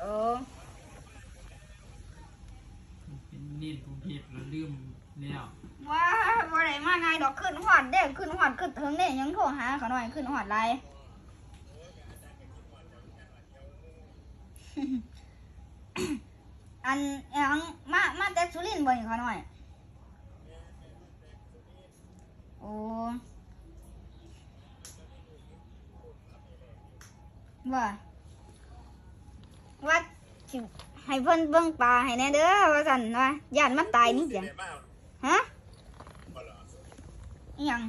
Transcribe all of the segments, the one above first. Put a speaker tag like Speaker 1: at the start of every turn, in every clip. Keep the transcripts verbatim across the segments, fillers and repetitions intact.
Speaker 1: โอ้
Speaker 2: เป็นเน้นกรุงเทพแล้วลืมแล้ว
Speaker 1: ว่าบ่ได้มาไงดอกขึ้นหอดเด้ขึ้นหอดขึ้นถึงเนี่ยยังโทรหาเขาหน่อยขึ้นหอดไร อันยังมามาแต่สุรินทร์บ่อยเขาหน่อยโอ้ว่าว่าสิให้เพิ่นเบิ่งปลาให้แน่เด้อว่าซั่นว่าย่านมันตายนี่เสียงฮะอิหยัง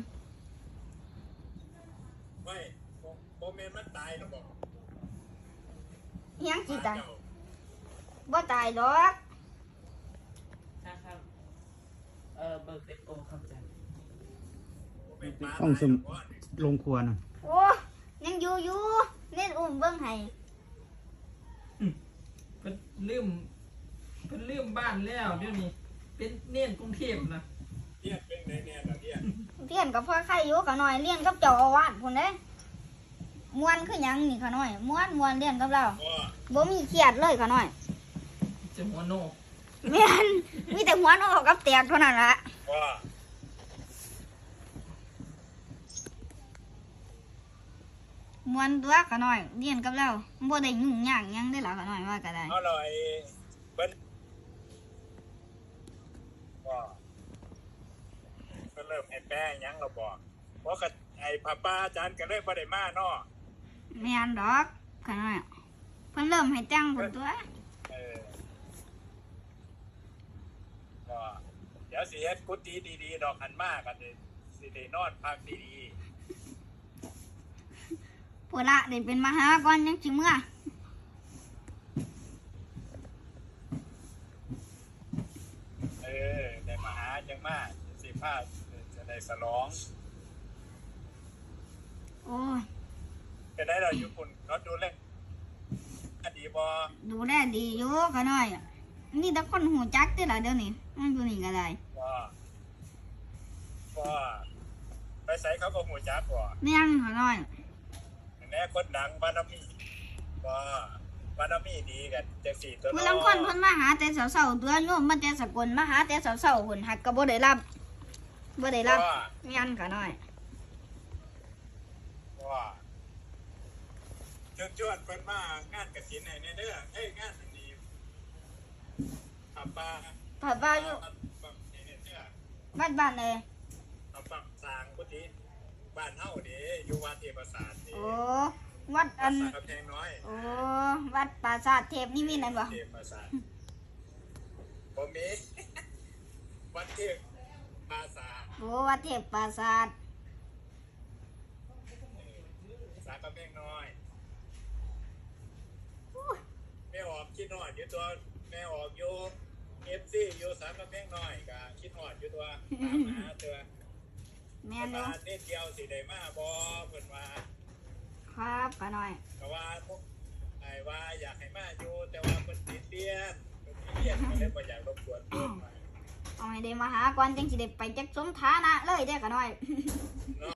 Speaker 3: ไม่โมเมนต์มันตายหรอบอก
Speaker 1: อิหยังสิตายบ่ตายดอก
Speaker 2: นะครับเออเบิกเต็มโตครับอาจารย์
Speaker 4: ต้องสมลงครัวน่ะ
Speaker 1: โอ้ยังอยู่อยู่เล่นอุ้มเบิ่งให้
Speaker 2: เพิ่นลืมเพิ่นลืมบ้านแล้วเดี๋ยวนี้เป็นเน้นกรุงเทพนะ
Speaker 3: เรียนเป็นไงเนี่ยล่ะเรียน
Speaker 1: เรียนกับพ่อไข่อยู่เขาหน่อยเรียนกับเจ้าอาวาสพุ่นเด้ม่วนคือหยังนี่เขาหน่อยม่วนม่วนเรียนกับเราบ่มีเครียดเลยเขาหน่อย
Speaker 2: จะหัวโน
Speaker 1: แม่นมีแต่หัวโนกับแตกเท่านั้นล่ะ
Speaker 3: ว่า
Speaker 1: ม่วนตัวเขาหน่อยเรียนกับเราบ่ได้ยุ่งยากหยังได้ล่ะเขาหน่อยว่าก็ได้
Speaker 3: เอาเลยเบิ้ลว่าก็เริ่มไอ้แป้ยังเราบอกเพราะกับไอ้ป้าป้าอาจารย์ก็เลยบ่ได้มาเนาะ
Speaker 1: แม่นดอกเขาหน่อยเพิ่นเริ่มให้แต่งพุ่นตัว
Speaker 3: เออก็เดี๋ยวสิเฮ็ดกุฏิดีๆดอกหันมากกันสิได้นอนพักดีๆ
Speaker 1: พุ่นละได้เป็นมหาก่อนยังสิเมื่อ
Speaker 3: เออได้มาหาจังมากสิพาจะได้สลอง
Speaker 1: โอ้ย
Speaker 3: จะได้เราอยู่ปุ่นเขาดูแลดีบ่
Speaker 1: ดูแลดีอยู่เขาหน่อยนี่แต่คนหูจักติล่ะเดี๋ยวนี้มันอยู่นี่ก็ได้
Speaker 3: ว่าว่าไปใส่เขาก็หูจักบ่
Speaker 1: แม่งเขาหน่อย
Speaker 3: แน่คนดังบารมีว่าบารมีดีกันจังสี่ตัว
Speaker 1: เมื่อลำคนเพิ่นมาหาแต่เสาๆตัวโยมมาแต่สกลมาหาแต่เสาๆหุ่นหักก็บ่ได้รับบ่ได้รับยันเขาหน่อย
Speaker 3: ว่าเชิญชวนเพิ่นมางานกฐินให้แน่เด้อเอ้ยงานนี้ผับปลา
Speaker 1: ผับปลาอยู่บ้านบ้านเลย
Speaker 3: ผับปลาสร้างกุฏิบ้านเฮาเด้อยู่วัดเทพประสาท
Speaker 1: โอ้วัดอัน
Speaker 3: กำแพงน้อย
Speaker 1: โอ้วัดปราสาทเทพนิมิตรนั่นบ่
Speaker 3: เทพประสาทบ่มีวัดเทพปราสาท
Speaker 1: โอ้วัดเทพปราสาท
Speaker 3: สากำแพงน้อยแม่ออกคิดฮอดอยู่ตัวแม่ออกอยู่ เอฟ ซี อยู่สากำแพงน้อยก็คิดฮอดอยู่ตัวตามหาตัว
Speaker 1: แม่นอยู่
Speaker 3: นิดเดียวสิได้มาบ่เพิ่นว่า
Speaker 1: ครับป้าน้อย
Speaker 3: ก็ว่าพวกไอ้ว่าอยากให้มาอยู่แต่ว่าเพิ่นติดเรียนเพิ่นติดเรียนก็เลยบ่อยากรบกวนเพิ่น
Speaker 1: เอาให้ได้มาหาก่อนจังสิได้ไปจักสมฐานะเลยเด้อป้าน้อย